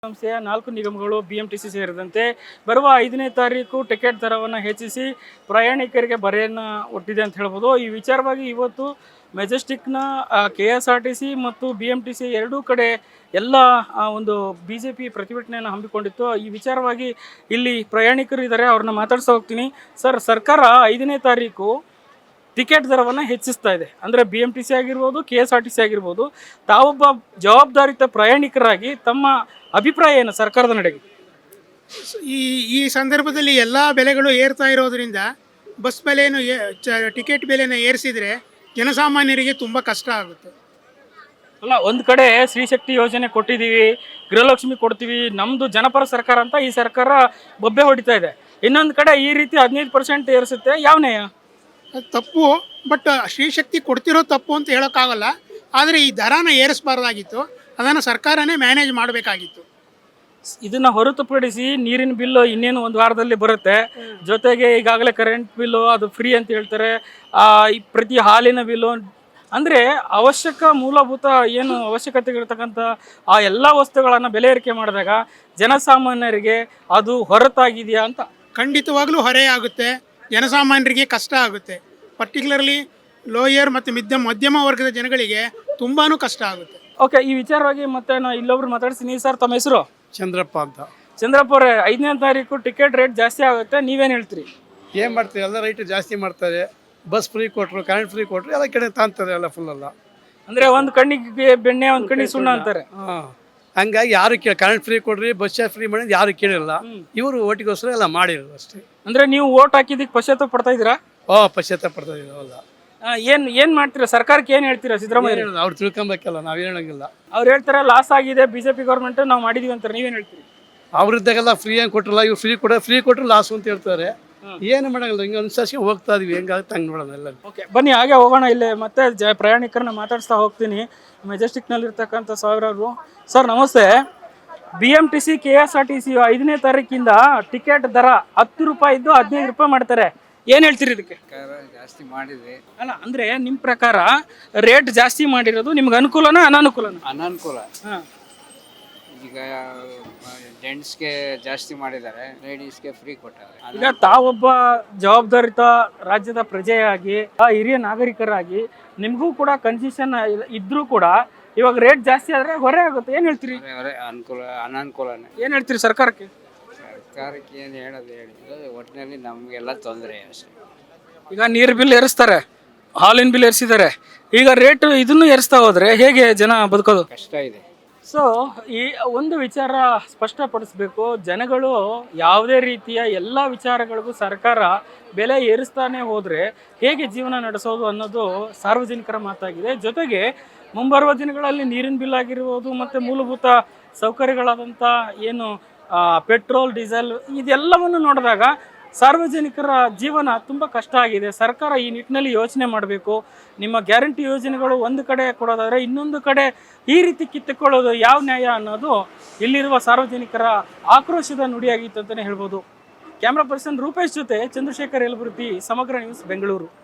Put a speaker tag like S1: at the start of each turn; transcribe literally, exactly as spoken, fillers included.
S1: ಸಂಸ್ಥೆಯ ನಾಲ್ಕು ನಿಗಮಗಳು ಬಿಎಂಟಿಸಿ ಸೇರಿದಂತೆ ಬರುವ ಐದನೇ ತಾರೀಕು ಟಿಕೆಟ್ ದರವನ್ನು ಹೆಚ್ಚಿಸಿ ಪ್ರಯಾಣಿಕರಿಗೆ ಬರೆಯನ್ನು ಒಡ್ಡಿದೆ ಅಂತ ಹೇಳ್ಬೋದು. ಈ ವಿಚಾರವಾಗಿ ಇವತ್ತು ಮೆಜೆಸ್ಟಿಕ್ನ K S R T C ಮತ್ತು ಬಿ ಎಂ ಟಿ ಸಿ ಎರಡೂ ಕಡೆ ಎಲ್ಲ ಒಂದು ಬಿ ಜೆ ಪಿ ಪ್ರತಿಭಟನೆಯನ್ನು ಹಮ್ಮಿಕೊಂಡಿತ್ತು. ಈ ವಿಚಾರವಾಗಿ ಇಲ್ಲಿ ಪ್ರಯಾಣಿಕರು ಇದ್ದಾರೆ, ಅವ್ರನ್ನ ಮಾತಾಡ್ತಾ ಹೋಗ್ತೀನಿ. ಸರ್, ಸರ್ಕಾರ ಐದನೇ ತಾರೀಕು ಟಿಕೆಟ್ ದರವನ್ನು ಹೆಚ್ಚಿಸ್ತಾ ಇದೆ. ಅಂದರೆ ಬಿ ಎಂ ಟಿ ಸಿ ಆಗಿರ್ಬೋದು, K S R T C ಆಗಿರ್ಬೋದು. ತಾವೊಬ್ಬ ಜವಾಬ್ದಾರಿತ ಪ್ರಯಾಣಿಕರಾಗಿ ತಮ್ಮ ಅಭಿಪ್ರಾಯ ಏನು ಸರ್ಕಾರದ ನಡೆಗೆ?
S2: ಈ ಈ ಸಂದರ್ಭದಲ್ಲಿ ಎಲ್ಲ ಬೆಲೆಗಳು ಏರ್ತಾ ಇರೋದ್ರಿಂದ ಬಸ್ ಬೆಲೆಯನ್ನು ಟಿಕೆಟ್ ಬೆಲೆಯನ್ನು ಏರಿಸಿದರೆ ಜನಸಾಮಾನ್ಯರಿಗೆ ತುಂಬ ಕಷ್ಟ ಆಗುತ್ತೆ.
S1: ಅಲ್ಲ, ಒಂದು ಕಡೆ ಸ್ತ್ರೀಶಕ್ತಿ ಯೋಜನೆ ಕೊಟ್ಟಿದ್ದೀವಿ, ಗೃಹಲಕ್ಷ್ಮಿ ಕೊಡ್ತೀವಿ, ನಮ್ಮದು ಜನಪರ ಸರ್ಕಾರ ಅಂತ ಈ ಸರ್ಕಾರ ಬೊಬ್ಬೆ ಹೊಡಿತಾ ಇದೆ. ಇನ್ನೊಂದು ಕಡೆ ಈ ರೀತಿ ಹದಿನೈದು ಪರ್ಸೆಂಟ್ ಏರಿಸುತ್ತೆ, ಯಾವ ನ್ಯಾಯ?
S2: ಅದು ತಪ್ಪು. ಬಟ್ ಸ್ತ್ರೀಶಕ್ತಿ ಕೊಡ್ತಿರೋ ತಪ್ಪು ಅಂತ ಹೇಳೋಕ್ಕಾಗಲ್ಲ. ಆದರೆ ಈ ದರನ ಏರಿಸಬಾರ್ದಾಗಿತ್ತು, ಅದನ್ನು ಸರ್ಕಾರನೇ ಮ್ಯಾನೇಜ್ ಮಾಡಬೇಕಾಗಿತ್ತು.
S1: ಇದನ್ನು ಹೊರತುಪಡಿಸಿ ನೀರಿನ ಬಿಲ್ಲು ಇನ್ನೇನು ಒಂದು ವಾರದಲ್ಲಿ ಬರುತ್ತೆ. ಜೊತೆಗೆ ಈಗಾಗಲೇ ಕರೆಂಟ್ ಬಿಲ್ಲು ಅದು ಫ್ರೀ ಅಂತ ಹೇಳ್ತಾರೆ. ಈ ಪ್ರತಿ ಹಾಲಿನ ಬಿಲ್ಲು ಅಂದರೆ ಅವಶ್ಯಕ ಮೂಲಭೂತ ಏನು ಅವಶ್ಯಕತೆಗಳಿರ್ತಕ್ಕಂಥ ಆ ಎಲ್ಲ ವಸ್ತುಗಳನ್ನು ಬೆಲೆ ಏರಿಕೆ ಮಾಡಿದಾಗ ಜನಸಾಮಾನ್ಯರಿಗೆ ಅದು ಹೊರತಾಗಿದೆಯಾ ಅಂತ?
S2: ಖಂಡಿತವಾಗ್ಲೂ ಹೊರೆ ಆಗುತ್ತೆ, ಜನಸಾಮಾನ್ಯರಿಗೆ ಕಷ್ಟ ಆಗುತ್ತೆ. ಪರ್ಟಿಕ್ಯುಲರ್ಲಿ ಲೋಯರ್ ಮತ್ತು ಮಿದ್ಯಮ ಮಧ್ಯಮ ವರ್ಗದ ಜನಗಳಿಗೆ ತುಂಬಾ ಕಷ್ಟ ಆಗುತ್ತೆ.
S1: ಓಕೆ, ಈ ವಿಚಾರವಾಗಿ ಮತ್ತೆ ನಾನು ಇಲ್ಲೊಬ್ರು ಮಾತಾಡ್ತೀನಿ. ಸರ್, ತಮ್ಮ ಹೆಸರು?
S2: ಚಂದ್ರಪ್ಪ ಅಂತ.
S1: ಚಂದ್ರಪ್ಪ ಅವರೇ, ಐದನೇ ತಾರೀಕು ಟಿಕೆಟ್ ರೇಟ್ ಜಾಸ್ತಿ ಆಗುತ್ತೆ, ನೀವೇನು ಹೇಳ್ತೀರಿ?
S3: ಏನು ಮಾಡ್ತೀವಿ, ಎಲ್ಲ ರೈಟ್ ಜಾಸ್ತಿ ಮಾಡ್ತಾರೆ. ಬಸ್ ಫ್ರೀ ಕೊಟ್ಟರು, ಕರೆಂಟ್ ಫ್ರೀ ಕೊಟ್ಟರು, ಎಲ್ಲ ಕಡೆ ತಾಂತಾರೆ ಎಲ್ಲ ಫುಲ್ ಎಲ್ಲ.
S1: ಅಂದರೆ ಒಂದು ಕಣ್ಣಿಗೆ ಬೆಣ್ಣೆ, ಒಂದು ಕಣ್ಣಿಗೆ ಸುಣ್ಣ ಅಂತಾರೆ.
S3: ಹಾಂ, ಹಂಗಾಗಿ ಯಾರು ಕೇಳಿ ಕರೆಂಟ್ ಫ್ರೀ ಕೊಡ್ರಿ, ಬಸ್ ಚಾರ್ಜ್ ಫ್ರೀ ಮಾಡಿ ಯಾರು ಕೇಳಿರಲ್ಲ. ಇವರು ಓಟಿಗೋಸ್ಕರ ಎಲ್ಲ ಮಾಡಿರೋದು ಅಷ್ಟೇ.
S1: ಅಂದರೆ ನೀವು ಓಟ್ ಹಾಕಿದ್ದಕ್ಕೆ ಪಶ್ಚಾತ್ತಾಪ ಪಡ್ತಾ ಇದ್ದೀರಾ?
S3: ಓ, ಪಶ್ಚಾತ್ತಾಪ ಪಡ್ತಾ ಇದ್ದೀವಲ್ಲ.
S1: ಏನು ಏನು ಮಾಡ್ತೀರಾ? ಸರ್ಕಾರಕ್ಕೆ ಏನು ಹೇಳ್ತೀರಾ? ಸಿದ್ದರಾಮಯ್ಯ
S3: ಅವ್ರು ತಿಳ್ಕೊಬೇಕಲ್ಲ, ನಾವು ಹೇಳಂಗಿಲ್ಲ.
S1: ಅವ್ರು ಹೇಳ್ತಾರೆ ಲಾಸ್ ಆಗಿದೆ ಬಿ ಜೆ ಪಿ ಗೌರ್ಮೆಂಟ್, ನಾವು ಮಾಡಿದೀವಿ ಅಂತಾರೆ, ನೀವೇನು ಹೇಳ್ತೀರಿ?
S3: ಅವ್ರಿದ್ದಾಗೆಲ್ಲ ಫ್ರೀ ಏನು ಕೊಟ್ಟರಲ್ಲ, ಇವ್ರು ಫ್ರೀ ಕೊಡ ಫ್ರೀ ಕೊಟ್ಟರು ಲಾಸು ಅಂತ ಹೇಳ್ತಾರೆ. ಏನು ಮಾಡಂಗಿಲ್ಲ, ಹಿಂಗೆ ಅನುಸರಿಸಿ ಹೋಗ್ತಾ ಇದೀವಿ, ಹೆಂಗಾಗುತ್ತೆ ಹಂಗೆ ನೋಡೋಣ ಎಲ್ಲ. ಓಕೆ,
S1: ಬನ್ನಿ ಹಾಗೆ ಹೋಗೋಣ. ಇಲ್ಲೇ ಮತ್ತೆ ಜ ಪ್ರಯಾಣಿಕರನ್ನ ಮಾತಾಡಿಸ್ತಾ ಹೋಗ್ತೀನಿ. ಮೆಜೆಸ್ಟಿಕ್ನಲ್ಲಿರ್ತಕ್ಕಂಥ ಸಾವಿರಾರು. ಸರ್, ನಮಸ್ತೆ. B M T C K S R T C ಐದನೇ ತಾರೀಕಿಂದ ಟಿಕೆಟ್ ದರ ಹತ್ತು ರೂಪಾಯಿ ಇದ್ದು ಹದಿನೈದು ರೂಪಾಯಿ ಮಾಡ್ತಾರೆ. ಏನು ಹೇಳ್ತೀರಿ ಇದಕ್ಕೆ?
S4: ಜಾಸ್ತಿ ಮಾಡಿದೆ
S1: ಅಲ್ಲ, ಅಂದರೆ ನಿಮ್ಮ ಪ್ರಕಾರ ರೇಟ್ ಜಾಸ್ತಿ ಮಾಡಿರೋದು ನಿಮ್ಗೆ ಅನುಕೂಲನಾ ಅನಾನುಕೂಲನ?
S4: ಅನಾನುಕೂಲ.
S1: ಹಾಂ,
S4: ಈಗ ಜೆಂಟ್ಸ್ಗೆ ಜಾಸ್ತಿ ಮಾಡಿದ್ದಾರೆ, ಲೇಡೀಸ್ಗೆ ಫ್ರೀ ಕೊಟ್ಟಾರೆ.
S1: ಈಗ ತಾವೊಬ್ಬ ಜವಾಬ್ದಾರಿತ ರಾಜ್ಯದ ಪ್ರಜೆಯಾಗಿ, ಆ ಹಿರಿಯ ನಾಗರಿಕರಾಗಿ ನಿಮಗೂ ಕೂಡ ಕನ್ಸೆಷನ್ ಇದ್ರೂ ಕೂಡ ಇವಾಗ ರೇಟ್ ಜಾಸ್ತಿ ಆದರೆ ಹೊರೆ ಆಗುತ್ತೆ. ಏನು ಹೇಳ್ತೀರಿ?
S4: ಅವರೇ ಅನುಕೂಲ ಅನಾನುಕೂಲನೇ.
S1: ಏನು ಹೇಳ್ತೀರಿ ಸರ್ಕಾರಕ್ಕೆ?
S4: ಸರ್ಕಾರಕ್ಕೆ ಏನು ಹೇಳೋದು ಹೇಳಿದ್ರೆ ಒಟ್ಟಿನಲ್ಲಿ ನಮಗೆಲ್ಲ ತೊಂದರೆ ಅಷ್ಟೇ.
S1: ಈಗ ನೀರು ಬಿಲ್ ಏರಿಸ್ತಾರೆ, ಹಾಲಿನ ಬಿಲ್ ಏರಿಸಿದ್ದಾರೆ, ಈಗ ರೇಟ್ ಇದನ್ನು ಏರಿಸ್ತಾ ಹೋದ್ರೆ ಹೇಗೆ ಜನ ಬದುಕೋದು?
S4: ಕಷ್ಟ ಇದೆ.
S1: ಸೊ ಈ ಒಂದು ವಿಚಾರ ಸ್ಪಷ್ಟಪಡಿಸ್ಬೇಕು. ಜನಗಳು ಯಾವುದೇ ರೀತಿಯ ಎಲ್ಲ ವಿಚಾರಗಳಿಗೂ ಸರ್ಕಾರ ಬೆಲೆ ಏರಿಸ್ತಾನೆ ಹೋದರೆ ಹೇಗೆ ಜೀವನ ನಡೆಸೋದು ಅನ್ನೋದು ಸಾರ್ವಜನಿಕರ ಮಾತಾಗಿದೆ. ಜೊತೆಗೆ ಮುಂಬರುವ ದಿನಗಳಲ್ಲಿ ನೀರಿನ ಬಿಲ್ ಆಗಿರ್ಬೋದು ಮತ್ತು ಮೂಲಭೂತ ಸೌಕರ್ಯಗಳಾದಂಥ ಏನು ಪೆಟ್ರೋಲ್, ಡೀಸೆಲ್ ಇದೆಲ್ಲವನ್ನು ನೋಡಿದಾಗ ಸಾರ್ವಜನಿಕರ ಜೀವನ ತುಂಬ ಕಷ್ಟ ಆಗಿದೆ. ಸರ್ಕಾರ ಈ ನಿಟ್ಟಿನಲ್ಲಿ ಯೋಚನೆ ಮಾಡಬೇಕು. ನಿಮ್ಮ ಗ್ಯಾರಂಟಿ ಯೋಜನೆಗಳು ಒಂದು ಕಡೆ ಕೊಡೋದಾದರೆ ಇನ್ನೊಂದು ಕಡೆ ಈ ರೀತಿ ಕಿತ್ತುಕೊಳ್ಳೋದು ಯಾವ ನ್ಯಾಯ ಅನ್ನೋದು ಇಲ್ಲಿರುವ ಸಾರ್ವಜನಿಕರ ಆಕ್ರೋಶದ ನುಡಿಯಾಗಿತ್ತು ಅಂತಲೇ ಹೇಳ್ಬೋದು. ಕ್ಯಾಮ್ರಾ ಪರ್ಸನ್ ರೂಪೇಶ್ ಜೊತೆ ಚಂದ್ರಶೇಖರ್ ಯಲಬುರ್ಗಿ, ಸಮಗ್ರ ನ್ಯೂಸ್, ಬೆಂಗಳೂರು.